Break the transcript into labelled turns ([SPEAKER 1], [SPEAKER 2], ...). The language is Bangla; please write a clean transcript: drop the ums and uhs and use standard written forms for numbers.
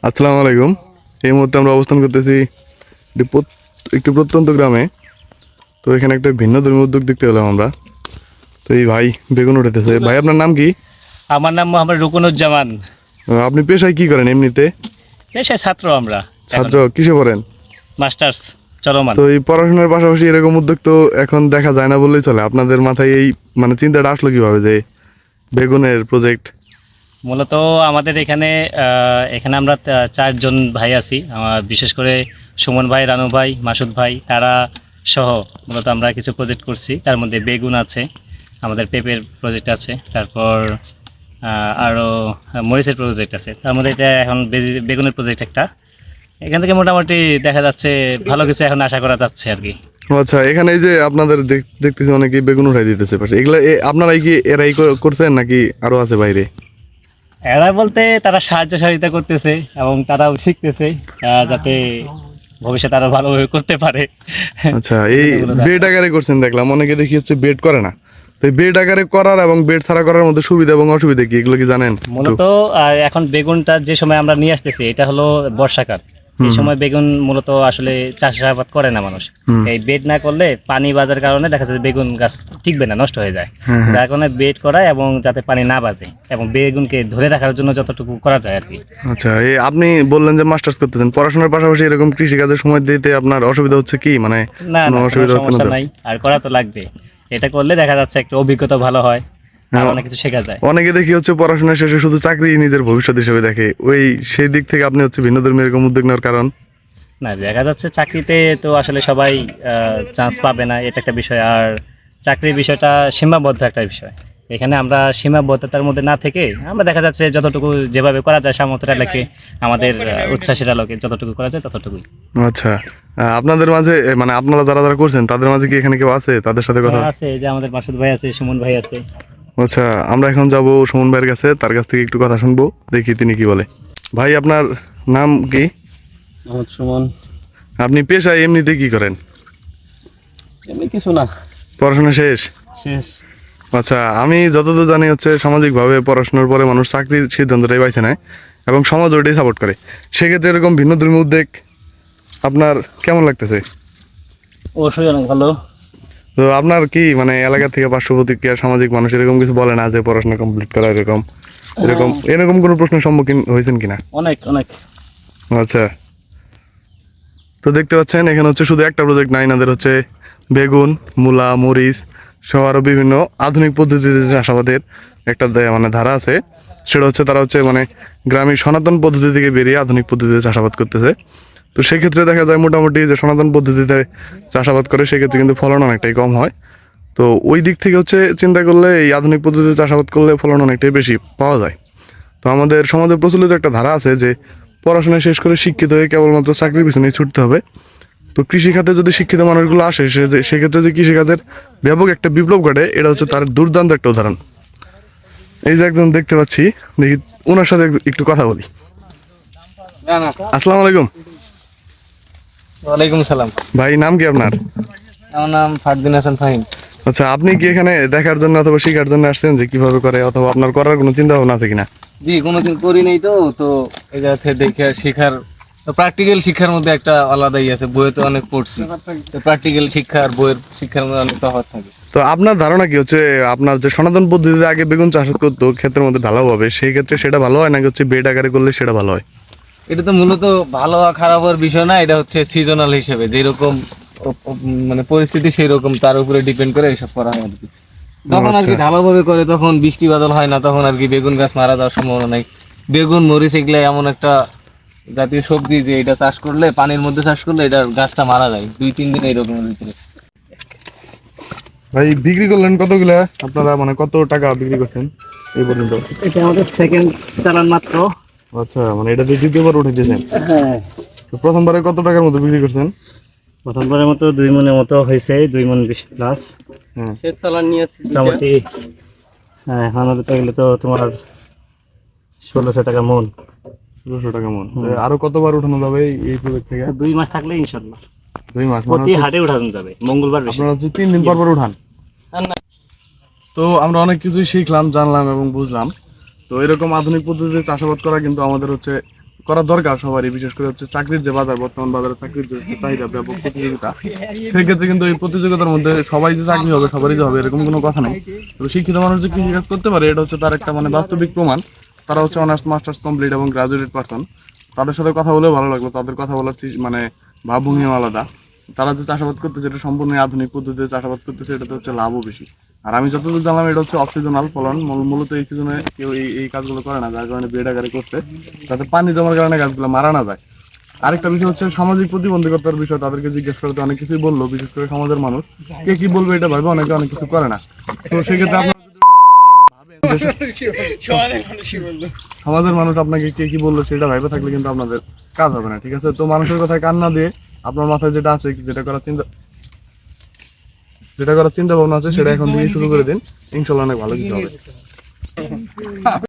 [SPEAKER 1] আসসালামু আলাইকুম। এই মুহূর্তে আমরা অবস্থান করতেছি একটি প্রত্যন্ত গ্রামে। তো এখানে একটা ভিন্ন ধর্মী উদ্যোগ দেখতে পেলাম আমরা। তো এই ভাই বেগুন উঠাইতেছে। ভাই আপনার নাম কি?
[SPEAKER 2] আমার নাম মোহাম্মদ রুকনুজ্জামান।
[SPEAKER 1] আপনি পেশায় কি করেন এমনিতে?
[SPEAKER 2] পেশায় ছাত্র আমরা।
[SPEAKER 1] ছাত্র কিসে পড়েন?
[SPEAKER 2] মাস্টার্স চলমান।
[SPEAKER 1] তো এই পড়াশোনার পাশাপাশি এরকম উদ্যোগ তো এখন দেখা যায় না বললেই চলে। আপনাদের মাথায় এই মানে চিন্তাটা আসলো কিভাবে যে বেগুনের প্রজেক্ট?
[SPEAKER 2] মূলত আমাদের এখানে আমরা চারজন ভাই আছি। বিশেষ করে সুমন ভাই, রানু ভাই, মাসুদ ভাই, তারা সহ মূলত আমরা কিছু প্রজেক্ট করছি। তার মধ্যে বেগুন আছে, আমাদের পেঁপের প্রজেক্ট আছে, তারপর আরও মরিচের প্রজেক্ট আছে। তার মধ্যে এটা এখন বেগুনের প্রজেক্ট একটা। এখান থেকে মোটামুটি দেখা যাচ্ছে ভালো কিছু এখন আশা করা যাচ্ছে আর কি।
[SPEAKER 1] আচ্ছা, এখানে এই যে আপনাদের দেখতেছি অনেকেই বেগুন উঠাই দিতেছে পাশে, এগুলা আপনারাই কি এরাই করছেন নাকি আরো আছে বাইরে?
[SPEAKER 2] এরা বলতে তারা সাহায্য সহযোগিতা করতেছে এবং তারাও শিখতেছে যাতে ভবিষ্যতে আরো ভালোভাবে করতে পারে।
[SPEAKER 1] আচ্ছা, এই বেড আকারে করছেন দেখলাম, অনেকে দেখি হচ্ছে বেড করে না। তো এই বেড আকারে করার এবং বেড ছাড়া করার মধ্যে সুবিধা এবং অসুবিধা কি, এগুলো কি জানেন?
[SPEAKER 2] মূলত এখন বেগুনটা যে সময় আমরা নিয়ে আসতেছি এটা হলো বর্ষাকাল। এই সময় বেগুন মূলত আসলে চাষাবাদ করে না মানুষ। এই বেড না করলে পানি বাজার কারণে দেখা যাচ্ছে বেগুন গাছ টিকবে না, নষ্ট হয়ে যায়। যার কারণে বেড করায় এবং যাতে পানি না বাজে এবং বেগুনকে ধরে রাখার জন্য যতটুকু করা যায় আর কি।
[SPEAKER 1] আচ্ছা, এই আপনি বললেন যে মাস্টার্স করতেছেন, পড়াশোনার পাশাপাশি এরকম কৃষি কাজের সময় দিতে আপনার অসুবিধা হচ্ছে কি? মানে
[SPEAKER 2] না
[SPEAKER 1] কোনো
[SPEAKER 2] না, কোনো
[SPEAKER 1] অসুবিধা হচ্ছে না
[SPEAKER 2] সমস্যা
[SPEAKER 1] তো?
[SPEAKER 2] নাই, আর করা তো লাগবে। এটা করলে দেখা যাচ্ছে একটা অভিজ্ঞতা ভালো হয় আর অনেক কিছু শেখা যায়।
[SPEAKER 1] অনেকে দেখি হচ্ছে পড়াশোনা শেষে শুধু চাকরি নিজের ভবিষ্যৎ হিসেবে দেখে, ওই সেই দিক থেকে আপনি হচ্ছে ভিন্ন ধর্মী এরকম উদ্যোগ নেওয়ার কারণ?
[SPEAKER 2] না, দেখা যাচ্ছে চাকরিতে তো আসলে সবাই চান্স পাবে না, এটা একটা বিষয়। আর চাকরির বিষয়টা সীমাবদ্ধ একটা বিষয়। এখানে আমরা সীমাবদ্ধতার মধ্যে না থেকে আমরা দেখা যাচ্ছে যতটুকু যেভাবে করা যায় সামর্থ্যের আলোকে, আমাদের উচ্ছ্বাসের আলোকে যতটুকু করা যায় ততটুকুই।
[SPEAKER 1] আচ্ছা, আপনাদের মাঝে মানে আপনারা যারা যারা করছেন তাদের মাঝে কি এখানে কেউ আছে তাদের সাথে কথা?
[SPEAKER 2] আছে, এই যে আমাদের মাসুদ ভাই আছে, সুমন ভাই আছে।
[SPEAKER 1] আচ্ছা, আমরা এখন যাব সুমন ভাইয়ের কাছে, তার কাছ থেকে একটু কথা শুনবো, দেখি তিনি কি বলে। ভাই আপনার নাম কি?
[SPEAKER 3] মোহাম্মদ সুমন।
[SPEAKER 1] আপনি পেশায় এমনিতে কি করেন?
[SPEAKER 3] এমনি কিছু না,
[SPEAKER 1] পড়াশোনা শেষ?
[SPEAKER 3] শেষ।
[SPEAKER 1] আচ্ছা, আমি যতদূর জানি হচ্ছে সামাজিকভাবে পড়াশোনার পরে মানুষ চাকরির সিদ্ধান্তটাই বাইছে নেয় এবং সমাজ ওইটাই সাপোর্ট করে। সেক্ষেত্রে এরকম ভিন্ন ধর্মী উদ্যোগ আপনার কেমন লাগতেছে?
[SPEAKER 3] অবশ্যই অনেক ভালো।
[SPEAKER 1] তো আপনার কি মানে এলাকা থেকে পার্শ্ব প্রতিক্রিয়া সামাজিক মানুষ এরকম কিছু বলে না যে পড়াশোনা কমপ্লিট করা এরকম এরকম এরকম কোনো প্রশ্নের সম্মুখীন হয়েছেন কিনা?
[SPEAKER 3] অনেক অনেক।
[SPEAKER 1] আচ্ছা, তো দেখতে পাচ্ছেন এখানে হচ্ছে শুধু একটা প্রজেক্ট নাই, এনাদের হচ্ছে বেগুন, মূলা, মরিচ সহ আরও বিভিন্ন আধুনিক পদ্ধতিতে চাষাবাদের একটা মানে ধারা আছে। সেটা হচ্ছে তারা হচ্ছে মানে গ্রামীণ সনাতন পদ্ধতি থেকে বেরিয়ে আধুনিক পদ্ধতিতে চাষাবাদ করতেছে। তো সেক্ষেত্রে দেখা যায় মোটামুটি যে সনাতন পদ্ধতিতে চাষাবাদ করে সেক্ষেত্রে কিন্তু ফলন অনেকটাই কম হয়। তো ওই দিক থেকে হচ্ছে চিন্তা করলে এই আধুনিক পদ্ধতিতে চাষাবাদ করলে ফলন অনেকটাই বেশি পাওয়া যায়। তো আমাদের সমাজে প্রচলিত একটা ধারা আছে যে পড়াশোনা শেষ করে শিক্ষিত হয়ে কেবলমাত্র চাকরির পিছনে ছুটতে হবে। তো কৃষিখাতে যদি শিক্ষিত মানুষগুলো আসে সেক্ষেত্রে যে কৃষিকাজের ব্যাপক একটা বিপ্লব ঘটে, এটা হচ্ছে তার দুর্দান্ত একটা উদাহরণ। এই যে একজন দেখতে পাচ্ছি, দেখি ওনার সাথে একটু কথা বলি। আসসালামু আলাইকুম।
[SPEAKER 3] ওয়ালাইকুম সালাম।
[SPEAKER 1] ভাই নাম কি আপনার?
[SPEAKER 3] আমার নাম ফারদিন হাসান ফাহিম।
[SPEAKER 1] আচ্ছা, আপনি কি এখানে দেখার জন্য অথবা শেখার জন্য আসছেন যে কিভাবে করে, অথবা আপনার করার কোনো চিন্তা ভাবনা আছে কিনা?
[SPEAKER 3] জি, কোনোদিন করি নাই তো, তো এই জায়গা থেকে দেখে শেখার, প্র্যাকটিক্যাল শিক্ষার মধ্যে একটা আলাদাই আছে। বইয়ে তো অনেক পড়ছি, তো প্র্যাকটিক্যাল শিক্ষা আর বইয়ের শিক্ষার মধ্যে অনেক তফাৎ থাকে।
[SPEAKER 1] তো আপনার ধারণা কি হচ্ছে, আপনার যে সনাতন পদ্ধতিতে আগে বেগুন চাষ করতো ক্ষেত্রের মধ্যে ঢালাও হবে, সেই ক্ষেত্রে সেটা ভালো হয় নাকি হচ্ছে বেড আকারে করলে সেটা ভালো হয়?
[SPEAKER 3] এটা তো মূলত ভালো আর খারাপ হওয়ার বিষয় না, এটা হচ্ছে সিজনাল হিসেবে যেরকম মানে পরিস্থিতি সেই রকম তার উপরে ডিপেন্ড করে এইসব করা হয় আর কি। যখন আর কি ঢালাওভাবে করে তখন বৃষ্টি বাদল হয় না, তখন আর কি বেগুন গাছ মারা যাওয়ার সম্ভাবনা নাই। বেগুন, মরিচ এগুলো এমন একটা জাতীয় সবজি যে এটা চাষ করলে, পানির মধ্যে চাষ করলে এটা গাছটা মারা যায় 2-3 দিন এইরকমের ভিতরে।
[SPEAKER 1] ভাই বিক্রি করলেন কতগুলা আপনারা, মানে কত টাকা বিক্রি করছেন এই পর্যন্ত?
[SPEAKER 2] এটা আমাদের সেকেন্ড চালান মাত্র।
[SPEAKER 1] আচ্ছা, মানে এটা দিয়ে দ্বিতীয়বার উঠে দিয়েছেন?
[SPEAKER 2] হ্যাঁ,
[SPEAKER 1] তো প্রথমবারে কত টাকার মতো বিক্রি করছেন?
[SPEAKER 2] প্রথমবারের মতো 2 মনের মতো হয়েছে, 2 মন 20 প্লাস।
[SPEAKER 1] হ্যাঁ,
[SPEAKER 3] শেষ চালান নিয়ে আসছি
[SPEAKER 2] মোটামুটি এখন গেলে তো তোমার 1600 টাকা মন।
[SPEAKER 1] 200 টাকা মন। তো আরো কতবার উঠানো যাবে এই প্রজেক্ট থেকে?
[SPEAKER 2] 2 মাস থাকলে ইনশাল্লাহ
[SPEAKER 1] 2 মাস
[SPEAKER 2] প্রতি হাটে উঠানো যাবে, মঙ্গলবার বেশি।
[SPEAKER 1] আপনারা হচ্ছে 3 দিন পর পর উঠান? তো আমরা অনেক কিছুই শিখলাম, জানলাম এবং বুঝলাম। তো এরকম আধুনিক পদ্ধতিতে চাষাবাদ করা কিন্তু আমাদের হচ্ছে করা দরকার সবারই, বিশেষ করে হচ্ছে চাকরির যে বাজার, বর্তমান বাজারে চাকরির যে হচ্ছে চাহিদা, ব্যাপক প্রতিযোগিতা, সেক্ষেত্রে কিন্তু এই প্রতিযোগিতার মধ্যে সবাই যে চাকরি হবে, সবারই যে হবে এরকম কোনো কথা নেই। তো শিক্ষিত মানুষ যে কৃষিকাজ করতে পারে এটা হচ্ছে তার একটা মানে বাস্তবিক প্রমাণ। তারা হচ্ছে অনার্স মাস্টার্স কমপ্লিট এবং গ্রাজুয়েট পারসন। তাদের সাথে কথা বলেও ভালো লাগলো, তাদের কথা বলার মানে ভাবভঙ্গিও আলাদা। তারা যে চাষাবাদ করতেছে এটা সম্পূর্ণ আধুনিক পদ্ধতিতে চাষাবাদ করতেছে, এটাতে হচ্ছে লাভও বেশি। আর আমি যতদূর জানলাম এটা হচ্ছে অফ সিজনাল ফলন, মূলত এই সিজনে কেউ এই কাজগুলো করে না, যার কারণে বেড আকারে করছে, যাতে পানি জমার কারণে গাছগুলো মারা না যায়। আরেকটা বিষয় হচ্ছে সামাজিক প্রতিবন্ধকতার বিষয়, তাদেরকে জিজ্ঞেস করতে অনেক কিছুই বললো, বিশেষ করে সমাজের মানুষ কে কি বলবে এটা ভাবে অনেকে অনেক কিছু করে না। তো সেক্ষেত্রে আপনারা সমাজের মানুষ আপনাকে কে কি বললো সেটা ভাইবে থাকলে কিন্তু আপনাদের কাজ হবে না, ঠিক আছে? তো মানুষের কথায় কান না দিয়ে আপনার মাথায় যেটা আছে, যেটা করার চিন্তা ভাবনা আছে, সেটা এখন থেকে শুরু করে দিন, ইনশাল্লাহ অনেক ভালো কিছু হবে।